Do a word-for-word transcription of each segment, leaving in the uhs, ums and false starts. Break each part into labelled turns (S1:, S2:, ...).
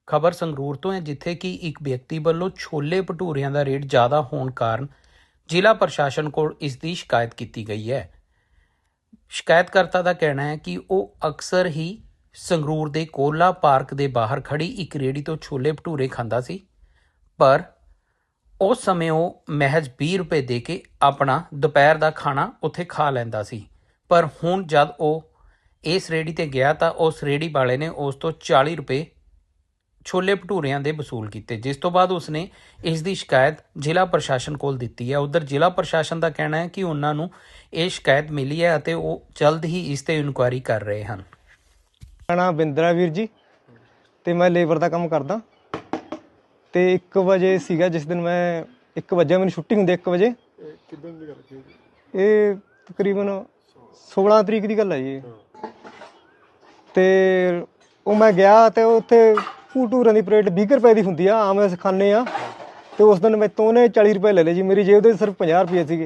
S1: ਖਬਰ ਸੰਗਰੂਰ ਤੋਂ ਹੈ, ਜਿੱਥੇ ਕਿ ਇੱਕ ਵਿਅਕਤੀ ਵੱਲੋਂ ਛੋਲੇ ਭਟੂਰਿਆਂ ਦਾ ਰੇਟ ਜ਼ਿਆਦਾ ਹੋਣ ਕਾਰਨ ਜ਼ਿਲ੍ਹਾ ਪ੍ਰਸ਼ਾਸਨ ਕੋਲ ਇਸ ਦੀ ਸ਼ਿਕਾਇਤ ਕੀਤੀ ਗਈ ਹੈ। ਸ਼ਿਕਾਇਤਕਰਤਾ ਦਾ ਕਹਿਣਾ ਹੈ ਕਿ ਉਹ ਅਕਸਰ ਹੀ ਸੰਗਰੂਰ ਦੇ ਕੋਲਾ ਪਾਰਕ ਦੇ ਬਾਹਰ ਖੜੀ ਇੱਕ ਰੇਹੜੀ ਤੋਂ ਛੋਲੇ ਭਟੂਰੇ ਖਾਂਦਾ ਸੀ, ਪਰ ਉਸ ਸਮੇਂ ਉਹ ਮਹਿਜ਼ ਵੀਹ ਰੁਪਏ ਦੇ ਕੇ ਆਪਣਾ ਦੁਪਹਿਰ ਦਾ ਖਾਣਾ ਉੱਥੇ ਖਾ ਲੈਂਦਾ ਸੀ। ਪਰ ਹੁਣ ਜਦ ਉਹ ਇਸ ਰੇਹੜੀ ਤੇ ਗਿਆ ਤਾਂ ਉਸ ਰੇਹੜੀ ਵਾਲੇ ਨੇ ਉਸ ਤੋਂ ਚਾਲੀ ਰੁਪਏ ਛੋਲੇ ਭਟੂਰਿਆਂ ਦੇ ਵਸੂਲ ਕੀਤੇ, ਜਿਸ ਤੋਂ ਬਾਅਦ ਉਸਨੇ ਇਸ ਦੀ ਸ਼ਿਕਾਇਤ ਜ਼ਿਲ੍ਹਾ ਪ੍ਰਸ਼ਾਸਨ ਕੋਲ ਦਿੱਤੀ ਹੈ। ਉਧਰ ਜ਼ਿਲ੍ਹਾ ਪ੍ਰਸ਼ਾਸਨ ਦਾ ਕਹਿਣਾ ਹੈ ਕਿ ਉਹਨਾਂ ਨੂੰ ਇਹ ਸ਼ਿਕਾਇਤ ਮਿਲੀ ਹੈ ਅਤੇ ਉਹ ਜਲਦ ਹੀ ਇਸ ਤੇ ਇਨਕੁਆਇਰੀ ਕਰ ਰਹੇ ਹਨ।
S2: ਮੇਰਾ ਨਾਮ ਬਿੰਦਰਾ ਵੀਰ ਜੀ ਤੇ ਮੈਂ ਲੇਬਰ ਦਾ ਕੰਮ ਕਰਦਾ ਤੇ ਇੱਕ ਵਜੇ ਸੀਗਾ ਜਿਸ ਦਿਨ ਮੈਂ ਇੱਕ ਵਜੇ ਮੈਨੂੰ ਛੁੱਟੀ ਹੁੰਦੀ ਇੱਕ ਵਜੇ।
S3: ਕਿੱਦਾਂ ਦੀ ਗੱਲ ਕੀ
S2: ਇਹ ਤਕਰੀਬਨ ਸੋਲਾਂ ਤਰੀਕ ਦੀ ਗੱਲ ਹੈ ਜੀ। ਤੇ ਉਹ ਮੈਂ ਗਿਆ ਤੇ ਉੱਥੇ ਭਟੂਰਿਆਂ ਦੀ ਪਲੇਟ ਵੀਹ ਰੁਪਏ ਦੀ ਹੁੰਦੀ ਆ, ਆਮ ਅਸੀਂ ਖਾਂਦੇ ਆ। ਤੇ ਉਸ ਦਿਨ ਮੈਥੋਂ ਉਹਨੇ ਚਾਲੀ ਰੁਪਏ ਲੈ ਲਏ ਜੀ। ਮੇਰੀ ਜੇਬ ਦੇ ਸਿਰਫ ਪੰਜਾਹ ਰੁਪਏ ਸੀਗੇ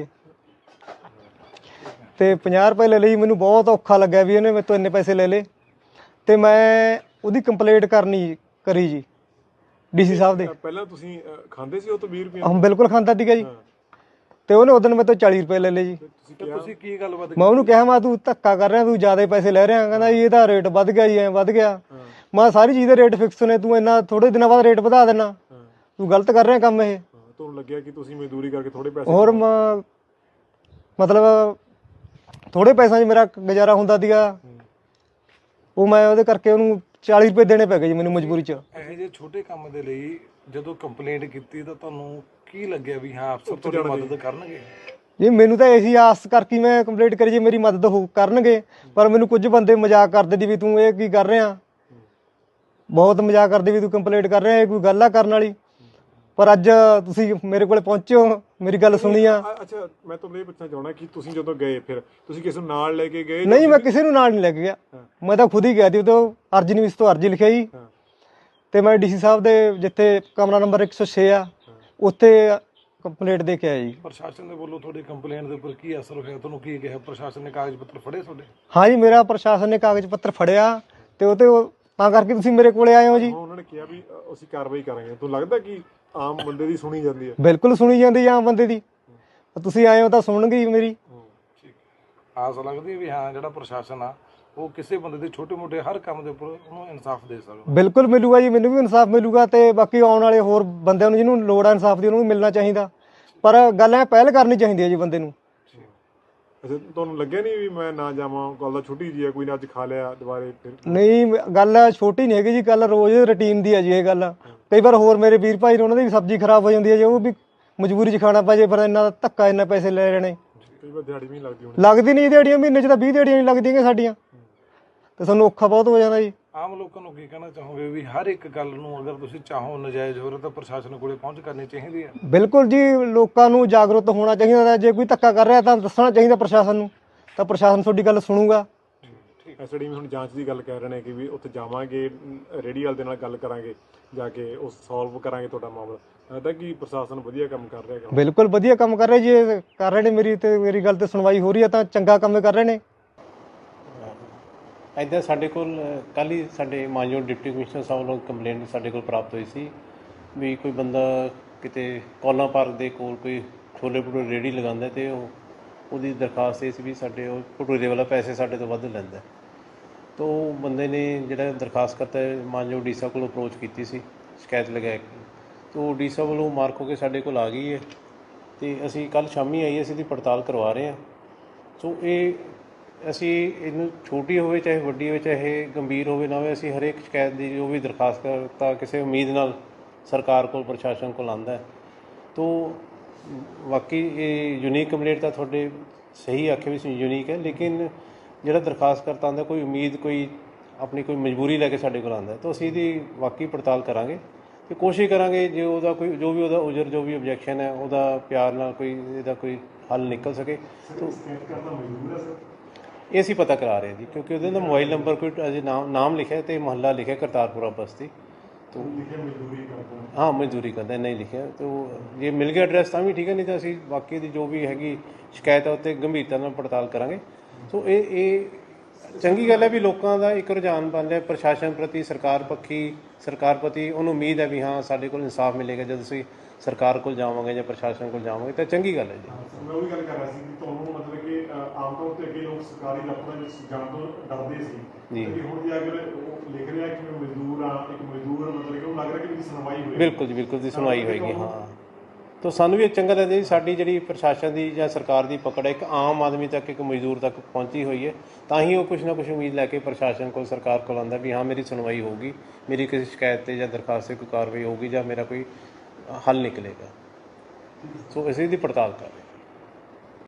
S2: ਤੇ ਪੰਜਾਹ ਰੁਪਏ ਲੈ ਲਈ। ਮੈਨੂੰ ਬਹੁਤ ਔਖਾ ਲੱਗਿਆ ਵੀ ਇਹਨੇ ਮੈਥੋਂ ਇੰਨੇ ਪੈਸੇ ਲੈ ਲਏ ਤੇ ਮੈਂ ਉਹਦੀ ਕੰਪਲੇਂਟ ਕਰਨੀ ਕਰੀ ਜੀ ਡੀ ਸੀ ਸਾਹਿਬ ਦੇ।
S3: ਪਹਿਲਾਂ ਤੁਸੀਂ ਖਾਂਦੇ ਸੀ ਉਹ ਤੋਂ ਵੀਹ ਰੁਪਏ?
S2: ਹਾਂ ਬਿਲਕੁਲ ਖਾਂਦਾ ਸੀਗਾ ਜੀ। ਤੇ ਉਹਨੇ ਉਦੋਂ ਮੈਥੋਂ ਚਾਲੀ ਰੁਪਏ ਲੈ ਲਏ ਜੀ।
S3: ਤੁਸੀਂ ਕੀ ਗੱਲਬਾਤ?
S2: ਮੈਂ ਉਹਨੂੰ ਕਿਹਾ ਮੈਂ ਤੂੰ ਧੱਕਾ ਕਰ ਰਿਹਾ, ਤੂੰ ਜ਼ਿਆਦਾ ਪੈਸੇ ਲੈ ਰਿਹਾ। ਕਹਿੰਦਾ ਜੀ ਇਹਦਾ ਰੇਟ ਵੱਧ ਗਿਆ ਜੀ, ਐਂ ਵੱਧ ਗਿਆ। ਮੈਂ ਸਾਰੀ ਚੀਜ਼ ਦੇ ਰੇਟ ਫਿਕਸ ਨੇ, ਤੂੰ ਇੰਨਾ ਥੋੜੇ ਦਿਨਾਂ ਬਾਅਦ ਰੇਟ ਵਧਾ ਦੇਣਾ, ਤੂੰ ਗਲਤ ਕਰ ਰਿਹਾ ਕੰਮ ਇਹ।
S3: ਤੁਹਾਨੂੰ ਲੱਗਿਆ ਕਿ ਤੁਸੀਂ ਮਜ਼ਦੂਰੀ ਕਰਕੇ ਥੋੜੇ ਪੈਸੇ
S2: ਹੋਰ ਮਤਲਬ ਥੋੜੇ ਪੈਸਿਆਂ 'ਚ ਮੇਰਾ ਗੁਜ਼ਾਰਾ ਹੁੰਦਾ ਸੀਗਾ, ਉਹ ਮੈਂ ਉਹਦੇ ਕਰਕੇ ਉਹਨੂੰ ਚਾਲੀ ਰੁਪਏ ਦੇਣੇ ਪੈ ਗਏ ਜੀ ਮੈਨੂੰ ਮਜਬੂਰੀ 'ਚ।
S4: ਇਹੋ ਜਿਹੇ ਛੋਟੇ ਕੰਮ ਦੇ ਲਈ ਜਦੋਂ ਕੰਪਲੇਂਟ ਕੀਤੀ ਤਾਂ ਤੁਹਾਨੂੰ ਕੀ ਲੱਗਿਆ ਵੀ ਹਾਂ ਅਫਸਰ ਤੁਹਾਡੀ ਮਦਦ ਕਰਨਗੇ?
S2: ਜੀ ਮੈਨੂੰ ਤਾਂ ਇਹੀ ਆਸ ਕਰਕੇ ਮੈਂ ਕੰਪਲੇਂਟ ਕਰੀ ਜੀ ਮੇਰੀ ਮਦਦ ਹੋ ਕਰਨਗੇ, ਪਰ ਮੈਨੂੰ ਕੁਝ ਬੰਦੇ ਮਜ਼ਾਕ ਕਰਦੇ ਦੀ ਵੀ ਤੂੰ ਇਹ ਕੀ ਕਰ ਰਿਹਾ, ਬਹੁਤ ਮਜ਼ਾਕ ਕਰਦੇ ਵੀ ਤੂੰ ਕੰਪਲੇਂਟ ਕਰ ਰਿਹਾ, ਇਹ ਕੋਈ ਗੱਲ ਆ ਕਰਨ ਵਾਲੀ। ਪਰ ਅੱਜ ਤੁਸੀਂ ਮੇਰੇ ਕੋਲ ਪਹੁੰਚੇ ਹੋ, ਮੇਰੀ ਗੱਲ ਸੁਣੀ ਆ।
S3: ਅੱਛਾ, ਮੈਂ ਤੁਹਾਨੂੰ ਇਹ ਪੁੱਛਣਾ ਚਾਹੁੰਦਾ ਕਿ ਤੁਸੀਂ ਜਦੋਂ ਗਏ ਫਿਰ ਤੁਸੀਂ ਕਿਸੇ ਨੂੰ ਨਾਲ ਲੈ ਕੇ ਗਏ?
S2: ਨਹੀਂ, ਮੈਂ ਕਿਸੇ ਨੂੰ ਨਾਲ ਨਹੀਂ ਲੈ ਕੇ ਗਿਆ, ਮੈਂ ਤਾਂ ਖੁਦ ਹੀ ਗਿਆ ਸੀ। ਉਦੋਂ ਅਰਜੀ ਨਹੀਂ, ਇਸ ਤੋਂ ਅਰਜੀ ਲਿਖਿਆ ਜੀ ਤੇ ਮੈਂ ਡੀ ਸੀ ਸਾਹਿਬ ਦੇ ਜਿੱਥੇ ਕਮਰਾ ਨੰਬਰ ਇੱਕ ਸੌ ਛੇ ਆ ਉੱਥੇ ਕੰਪਲੇਂਟ ਦੇ ਕੇ ਆਇਆ ਜੀ।
S4: ਪ੍ਰਸ਼ਾਸਨ ਦੇ ਵੱਲੋਂ ਤੁਹਾਡੀ ਕੰਪਲੇਂਟ ਦੇ ਉੱਪਰ ਕੀ ਅਸਰ ਹੋਇਆ? ਤੁਹਾਨੂੰ ਕੀ ਕਿਹਾ ਪ੍ਰਸ਼ਾਸਨ ਨੇ? ਕਾਗਜ਼ ਪੱਤਰ ਫੜੇ ਤੁਹਾਡੇ?
S2: ਹਾਂ ਜੀ, ਮੇਰਾ ਪ੍ਰਸ਼ਾਸਨ ਨੇ ਕਾਗਜ਼ ਪੱਤਰ ਫੜਿਆ ਤੇ ਉਹ ਤੇ ਤਾਂ ਕਰਕੇ ਤੁਸੀਂ ਮੇਰੇ ਕੋਲੇ ਆਏ ਹੋ ਜੀ।
S3: ਉਹਨਾਂ ਨੇ ਕਿਹਾ ਵੀ ਅਸੀਂ ਕਾਰਵਾਈ ਕਰਾਂਗੇ। ਤੁਹਾਨੂੰ ਲੱਗਦਾ ਕਿ ਆਮ ਬੰਦੇ ਦੀ ਸੁਣੀ ਜਾਂਦੀ ਹੈ?
S2: ਬਿਲਕੁਲ ਸੁਣੀ ਜਾਂਦੀ ਆਮ ਬੰਦੇ ਦੀ। ਤੁਸੀਂ ਆਏ ਹੋ ਤਾਂ ਸੁਣਨਗੇ ਮੇਰੀ।
S4: ਠੀਕ, ਆਸ ਲੱਗਦੀ ਵੀ ਹਾਂ ਜਿਹੜਾ ਪ੍ਰਸ਼ਾਸਨ ਆ ਉਹ ਕਿਸੇ ਬੰਦੇ ਦੇ ਛੋਟੇ ਮੋਟੇ ਹਰ ਕੰਮ ਦੇ ਉੱਪਰ ਉਹਨੂੰ ਇਨਸਾਫ ਦੇ ਸਕਦਾ।
S2: ਬਿਲਕੁਲ ਮਿਲੂਗਾ ਜੀ, ਮੈਨੂੰ ਵੀ ਇਨਸਾਫ ਮਿਲੂਗਾ ਤੇ ਬਾਕੀ ਆਉਣ ਵਾਲੇ ਹੋਰ ਬੰਦਿਆਂ ਨੂੰ ਜਿਹਨੂੰ ਲੋੜ ਆ ਇਨਸਾਫ ਦੀ ਉਹਨੂੰ ਵੀ ਮਿਲਣਾ ਚਾਹੀਦਾ। ਪਰ ਗੱਲ ਐ ਪਹਿਲ ਕਰਨੀ ਚਾਹੀਦੀ ਹੈ ਜੀ ਬੰਦੇ ਨੂੰ।
S3: ਅੱਛਾ, ਤੁਹਾਨੂੰ ਲੱਗਿਆ ਨਹੀਂ ਵੀ ਮੈਂ ਨਾ ਜਾਵਾਂ, ਗੱਲ ਦਾ ਛੋਟੀ ਜੀ ਹੈ, ਕੋਈ ਨਾ ਅੱਜ ਖਾ ਲਿਆ ਦੁਬਾਰੇ ਫਿਰ?
S2: ਨਹੀਂ, ਗੱਲ ਛੋਟੀ ਨਹੀਂ ਹੈਗੀ ਜੀ, ਗੱਲ ਰੋਜ਼ ਰੂਟੀਨ ਦੀ ਹੈ ਜੀ ਇਹ ਗੱਲ। ਕਈ ਵਾਰ ਹੋਰ ਮੇਰੇ ਵੀਰ ਭਾਈ ਨੇ ਉਹਨਾਂ ਦੀ ਵੀ ਸਬਜ਼ੀ ਖਰਾਬ ਹੋ ਜਾਂਦੀ ਹੈ ਜੀ, ਉਹ ਵੀ ਮਜਬੂਰੀ 'ਚ ਖਾਣਾ ਪੈ ਜੇ। ਪਰ ਇੰਨਾ ਧੱਕਾ, ਇੰਨਾ ਪੈਸੇ ਲੈ ਰਹੇ ਨੇ।
S3: ਕਈ ਵਾਰ ਦਿਹਾੜੀ ਵੀ ਨਹੀਂ ਲੱਗਦੀ ਹੋਣੀ?
S2: ਲੱਗਦੀ ਨਹੀਂ ਦਿਹਾੜੀਆਂ, ਮਹੀਨੇ 'ਚ ਤਾਂ ਵੀਹ ਦਿਹਾੜੀਆਂ ਨਹੀਂ ਲੱਗਦੀਆਂ ਸਾਡੀਆਂ, ਤੇ ਸਾਨੂੰ ਔਖਾ ਬਹੁਤ ਹੋ ਜਾਂਦਾ ਜੀ।
S4: ਆਮ ਲੋਕਾਂ ਨੂੰ ਕੀ ਕਹਿਣਾ ਚਾਹੋਗੇ ਵੀ ਹਰ ਇੱਕ ਗੱਲ ਨੂੰ ਅਗਰ ਤੁਸੀਂ ਚਾਹੋ ਨਜਾਇਜ਼ ਹੋ ਰਿਹਾ ਤਾਂ ਪ੍ਰਸ਼ਾਸਨ ਕੋਲੇ ਪਹੁੰਚ ਕਰਨੀ ਚਾਹੀਦੀ ਹੈ?
S2: ਬਿਲਕੁਲ ਜੀ, ਲੋਕਾਂ ਨੂੰ ਜਾਗਰੂਕ ਹੋਣਾ ਚਾਹੀਦਾ। ਜੇ ਕੋਈ ਧੱਕਾ ਕਰ ਰਿਹਾ ਤਾਂ ਦੱਸਣਾ ਚਾਹੀਦਾ ਪ੍ਰਸ਼ਾਸਨ ਨੂੰ, ਤਾਂ ਪ੍ਰਸ਼ਾਸਨ ਤੁਹਾਡੀ ਗੱਲ ਸੁਣੂਗਾ।
S3: ਐਸ ਡੀ ਹੁਣ ਜਾਂਚ ਦੀ ਗੱਲ ਕਰ ਰਹੇ ਨੇ ਕਿ ਵੀ ਉੱਥੇ ਜਾਵਾਂਗੇ, ਰੇਹੜੀ ਵਾਲੇ ਦੇ ਨਾਲ ਗੱਲ ਕਰਾਂਗੇ, ਜਾ ਕੇ ਉਹ ਸੋਲਵ ਕਰਾਂਗੇ ਤੁਹਾਡਾ ਮਾਮਲਾ। ਲੱਗਦਾ ਕਿ ਪ੍ਰਸ਼ਾਸਨ ਵਧੀਆ ਕੰਮ ਕਰ ਰਿਹਾ?
S2: ਬਿਲਕੁਲ ਵਧੀਆ ਕੰਮ ਕਰ ਰਹੇ ਜੀ, ਕਰ ਰਹੇ ਨੇ। ਮੇਰੀ ਤੇ ਮੇਰੀ ਗੱਲ ਤੇ ਸੁਣਵਾਈ ਹੋ ਰਹੀ ਹੈ ਤਾਂ ਚੰਗਾ ਕੰਮ ਕਰ ਰਹੇ ਨੇ।
S5: ਇੱਦਾਂ ਸਾਡੇ ਕੋਲ ਕੱਲ੍ਹ ਹੀ ਸਾਡੇ ਮਾਨਯੋਗ ਡਿਪਟੀ ਕਮਿਸ਼ਨਰ ਸਾਹਿਬ ਵੱਲੋਂ ਕੰਪਲੇਂਟ ਸਾਡੇ ਕੋਲ ਪ੍ਰਾਪਤ ਹੋਈ ਸੀ ਵੀ ਕੋਈ ਬੰਦਾ ਕਿਤੇ ਕੋਲਾ ਪਾਰਕ ਦੇ ਕੋਲ ਕੋਈ ਛੋਲੇ ਭਟੂਰੇ ਰੇਹੜੀ ਲਗਾਉਂਦਾ ਅਤੇ ਉਹ ਉਹਦੀ ਦਰਖਾਸਤ ਇਹ ਸੀ ਵੀ ਸਾਡੇ ਉਹ ਭਟੂਰੇ ਵਾਲਾ ਪੈਸੇ ਸਾਡੇ ਤੋਂ ਵੱਧ ਲੈਂਦਾ। ਤਾਂ ਉਹ ਬੰਦੇ ਨੇ ਜਿਹੜਾ ਦਰਖਾਸਤ ਕਰਤਾ ਮਾਨਯੋਗ ਡੀ ਸਾਹਿਬ ਕੋਲ ਅਪਰੋਚ ਕੀਤੀ ਸੀ ਸ਼ਿਕਾਇਤ ਲਗਾ ਕੇ, ਤਾਂ ਉਹ ਡੀ ਸਾਹਿਬ ਵੱਲੋਂ ਮਾਰਕ ਹੋ ਕੇ ਸਾਡੇ ਕੋਲ ਆ ਗਈ ਹੈ ਅਤੇ ਅਸੀਂ ਕੱਲ੍ਹ ਸ਼ਾਮੀ ਆਈ, ਅਸੀਂ ਇਹਦੀ ਪੜਤਾਲ ਕਰਵਾ ਰਹੇ ਹਾਂ। ਸੋ ਇਹ ਅਸੀਂ ਇਹਨੂੰ ਛੋਟੀ ਹੋਵੇ ਚਾਹੇ ਵੱਡੀ ਹੋਵੇ, ਚਾਹੇ ਗੰਭੀਰ ਹੋਵੇ ਨਾ ਹੋਵੇ, ਅਸੀਂ ਹਰੇਕ ਸ਼ਿਕਾਇਤ ਦੀ ਜੋ ਵੀ ਦਰਖਾਸਤ ਕਰਤਾ ਕਿਸੇ ਉਮੀਦ ਨਾਲ ਸਰਕਾਰ ਕੋਲ, ਪ੍ਰਸ਼ਾਸਨ ਕੋਲ ਆਉਂਦਾ ਹੈ। ਤਾਂ ਬਾਕੀ ਇਹ ਯੂਨੀਕ ਕੰਪਲੇਂਟ ਤਾਂ ਤੁਹਾਡੇ ਸਹੀ ਆਖੇ ਵੀ ਯੂਨੀਕ ਹੈ, ਲੇਕਿਨ ਜਿਹੜਾ ਦਰਖਾਸਤ ਕਰਤਾ ਆਉਂਦਾ ਕੋਈ ਉਮੀਦ, ਕੋਈ ਆਪਣੀ ਕੋਈ ਮਜਬੂਰੀ ਲੈ ਕੇ ਸਾਡੇ ਕੋਲ ਆਉਂਦਾ, ਤਾਂ ਅਸੀਂ ਇਹਦੀ ਵਾਕਈ ਪੜਤਾਲ ਕਰਾਂਗੇ ਅਤੇ ਕੋਸ਼ਿਸ਼ ਕਰਾਂਗੇ ਜੇ ਉਹਦਾ ਕੋਈ ਜੋ ਵੀ ਉਹਦਾ ਉਜਰ ਜੋ ਵੀ ਓਬਜੈਕਸ਼ਨ ਹੈ ਉਹਦਾ ਪਿਆਰ ਨਾਲ ਕੋਈ ਇਹਦਾ ਕੋਈ ਹੱਲ ਨਿਕਲ ਸਕੇ। ਇਹ ਅਸੀਂ ਪਤਾ ਕਰਾ ਰਹੇ ਜੀ, ਕਿਉਂਕਿ ਉਹਦੇ ਦਾ ਮੋਬਾਈਲ ਨੰਬਰ ਕੋਈ ਅਜੇ ਨਾਮ ਨਾਮ ਲਿਖਿਆ ਅਤੇ ਮੁਹੱਲਾ ਲਿਖਿਆ ਕਰਤਾਰਪੁਰਾ ਬਸਤੀ। ਤੋ ਹਾਂ, ਮਜ਼ਦੂਰੀ ਕਰਦਾ, ਨਹੀਂ ਲਿਖਿਆ। ਤੋ ਜੇ ਮਿਲ ਗਿਆ ਐਡਰੈਸ ਤਾਂ ਵੀ ਠੀਕ ਹੈ, ਨਹੀਂ ਤਾਂ ਅਸੀਂ ਬਾਕੀ ਦੀ ਜੋ ਵੀ ਹੈਗੀ ਸ਼ਿਕਾਇਤ ਹੈ ਉੱਤੇ ਗੰਭੀਰਤਾ ਨਾਲ ਪੜਤਾਲ ਕਰਾਂਗੇ। ਸੋ ਇਹ ਇਹ ਚੰਗੀ ਗੱਲ ਹੈ ਵੀ ਲੋਕਾਂ ਦਾ ਇੱਕ ਰੁਝਾਨ ਬਣ ਰਿਹਾ ਪ੍ਰਸ਼ਾਸਨ ਪ੍ਰਤੀ, ਸਰਕਾਰ ਪੱਖੀ, ਸਰਕਾਰ ਪ੍ਰਤੀ ਉਹਨੂੰ ਉਮੀਦ ਹੈ ਵੀ ਹਾਂ ਸਾਡੇ ਕੋਲ ਇਨਸਾਫ ਮਿਲੇਗਾ ਜਦ ਅਸੀਂ ਸਰਕਾਰ ਕੋਲ ਜਾਵਾਂਗੇ ਜਾਂ ਪ੍ਰਸ਼ਾਸਨ ਕੋਲ ਜਾਵਾਂਗੇ ਤਾਂ ਚੰਗੀ ਗੱਲ ਹੈ ਜੀ।
S3: ਮੈਂ ਉਹੀ ਗੱਲ ਕਰ ਰਿਹਾ ਸੀ ਕਿ ਤੁਹਾਨੂੰ ਮਤਲਬ ਕਿ ਅਹ, ਆਮ ਤੌਰ ਤੇ ਅੱਗੇ ਲੋਕ ਸਰਕਾਰੀ ਦਫ਼ਤਰਾਂ ਵਿੱਚ ਜਾਣ ਤੋਂ ਡਰਦੇ ਸੀ
S5: ਜੀ।
S3: ਤੇ ਹੁਣ ਜੇ ਅਗਰ ਉਹ ਲਿਖ ਰਿਹਾ ਕਿ ਮੈਂ ਮਜ਼ਦੂਰ ਆ, ਇੱਕ ਮਜ਼ਦੂਰ ਮਤਲਬ ਕਿ ਉਹਨੂੰ ਲੱਗ ਰਿਹਾ ਕਿ ਮੇਰੀ ਸੁਣਵਾਈ ਹੋਏਗੀ।
S5: ਬਿਲਕੁਲ ਜੀ, ਬਿਲਕੁਲ ਦੀ ਸੁਣਵਾਈ ਹੋਏਗੀ। ਹਾਂ, ਤਾਂ ਸਾਨੂੰ ਵੀ ਇਹ ਚੰਗਾ ਲੱਗਦਾ ਜੀ ਸਾਡੀ ਜਿਹੜੀ ਪ੍ਰਸ਼ਾਸਨ ਦੀ ਜਾਂ ਸਰਕਾਰ ਦੀ ਪਕੜ ਹੈ ਇੱਕ ਆਮ ਆਦਮੀ ਤੱਕ, ਇੱਕ ਮਜ਼ਦੂਰ ਤੱਕ ਪਹੁੰਚੀ ਹੋਈ ਹੈ, ਤਾਂ ਹੀ ਉਹ ਕੁਛ ਨਾ ਕੁਛ ਉਮੀਦ ਲੈ ਕੇ ਪ੍ਰਸ਼ਾਸਨ ਕੋਲ, ਸਰਕਾਰ ਕੋਲ ਆਉਂਦਾ ਵੀ ਹਾਂ ਮੇਰੀ ਸੁਣਵਾਈ ਹੋਊਗੀ, ਮੇਰੀ ਕਿਸੇ ਸ਼ਿਕਾਇਤ 'ਤੇ ਜਾਂ ਦਰਖਾਸਤ 'ਤੇ ਕੋਈ ਕਾਰਵਾਈ ਹੋਊਗੀ ਜਾਂ ਮੇਰਾ ਕੋਈ ਹੱਲ ਨਿਕਲੇਗਾ। ਸੋ ਅਸੀਂ ਇਹਦੀ ਪੜਤਾਲ ਕਰ ਰਹੇ ਹਾਂ।